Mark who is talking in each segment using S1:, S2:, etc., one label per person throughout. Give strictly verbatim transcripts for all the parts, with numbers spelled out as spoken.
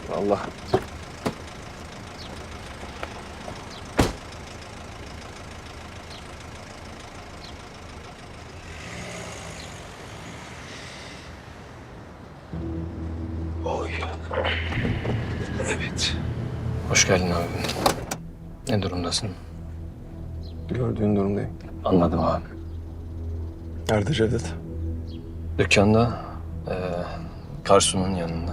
S1: Allah. Oy. Evet.
S2: Hoş geldin abi. Ne durumdasın?
S1: Gördüğün durumdayım.
S2: Anladım abi.
S1: Nerede Cevdet?
S2: Dükkanda, e, Karsu'nun yanında.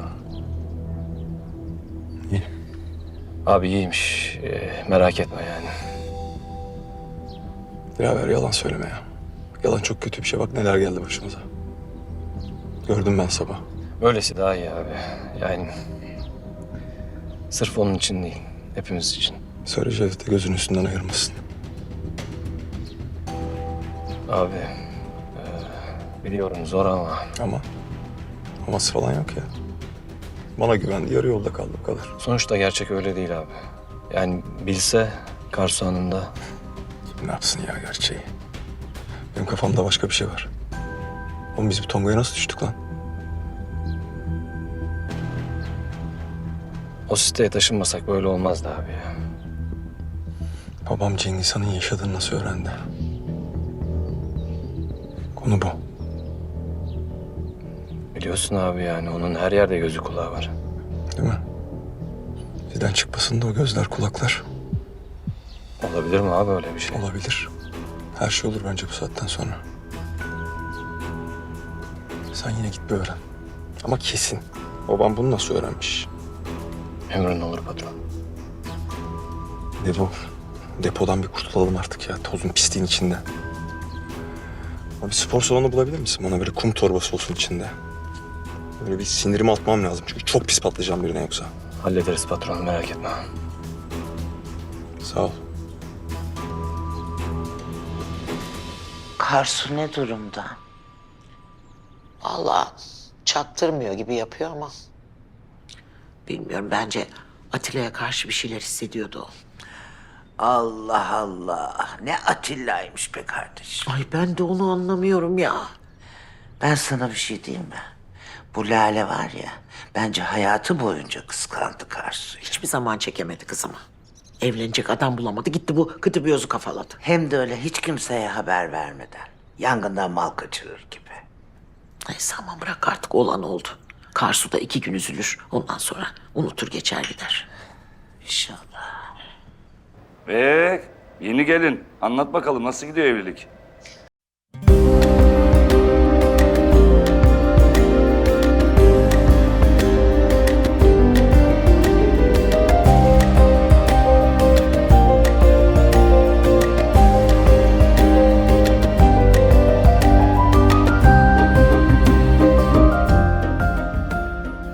S1: İyi.
S2: Abi iyiymiş. E, merak etme yani.
S1: Dilaver yalan söyleme ya. Yalan çok kötü bir şey. Bak neler geldi başımıza. Gördüm ben sabah.
S2: Böylesi daha iyi abi. Yani sırf onun için değil, hepimiz için.
S1: Söyle Cevdet'e gözünün üstünden ayırmasın.
S2: Abi, e, biliyorum zor ama
S1: Ama aması falan yok ya. Bana güvendi, yarı yolda kaldı bu kadar.
S2: sonuçta gerçek öyle değil abi. Yani bilse Karsu Hanım da
S1: Ne yapsın ya gerçeği? Benim kafamda başka bir şey var. Oğlum biz bu Tonga'ya nasıl düştük lan?
S2: o siteye taşınmasak böyle olmazdı abi ya.
S1: Babam Cengiz Han'ın yaşadığını nasıl öğrendi? Konu bu.
S2: Biliyorsun abi yani onun her yerde gözü kulağı var.
S1: Değil mi? Bizden çıkmasın da o gözler, kulaklar.
S2: Olabilir mi abi öyle bir şey?
S1: Olabilir. Her şey olur bence bu saatten sonra. Sen yine git bir öğren. Ama kesin. Babam bunu nasıl öğrenmiş?
S2: Emrin olur patron.
S1: Depo. Depodan bir kurtulalım artık ya. Tozun pisliğin içinde. Abi spor salonu bulabilir misin? Bana böyle kum torbası olsun içinde. Böyle bir sinirimi atmam lazım. Çünkü çok pis patlayacağım birine yoksa.
S2: Hallederiz patron merak etme.
S1: Sağ ol.
S3: Karsu ne durumda?
S4: Vallahi çaktırmıyor gibi yapıyor ama
S3: Bilmiyorum, bence Atilla'ya karşı bir şeyler hissediyordu o.
S4: Allah Allah. Ne Atilla'ymış be kardeşim.
S3: Ay ben de onu anlamıyorum ya.
S4: Ben sana bir şey diyeyim mi? Bu Lale var ya, bence hayatı boyunca kıskandı Karsu'yu.
S3: Hiçbir zaman çekemedi kızımı. Evlenecek adam bulamadı, gitti bu kıtı bir yozu kafaladı.
S4: Hem de öyle hiç kimseye haber vermeden. Yangından mal kaçırır gibi.
S3: Neyse aman bırak artık, olan oldu. Karsu da iki gün üzülür, ondan sonra unutur geçer gider.
S4: İnşallah.
S5: Ee, yeni gelin. Anlat bakalım nasıl gidiyor evlilik?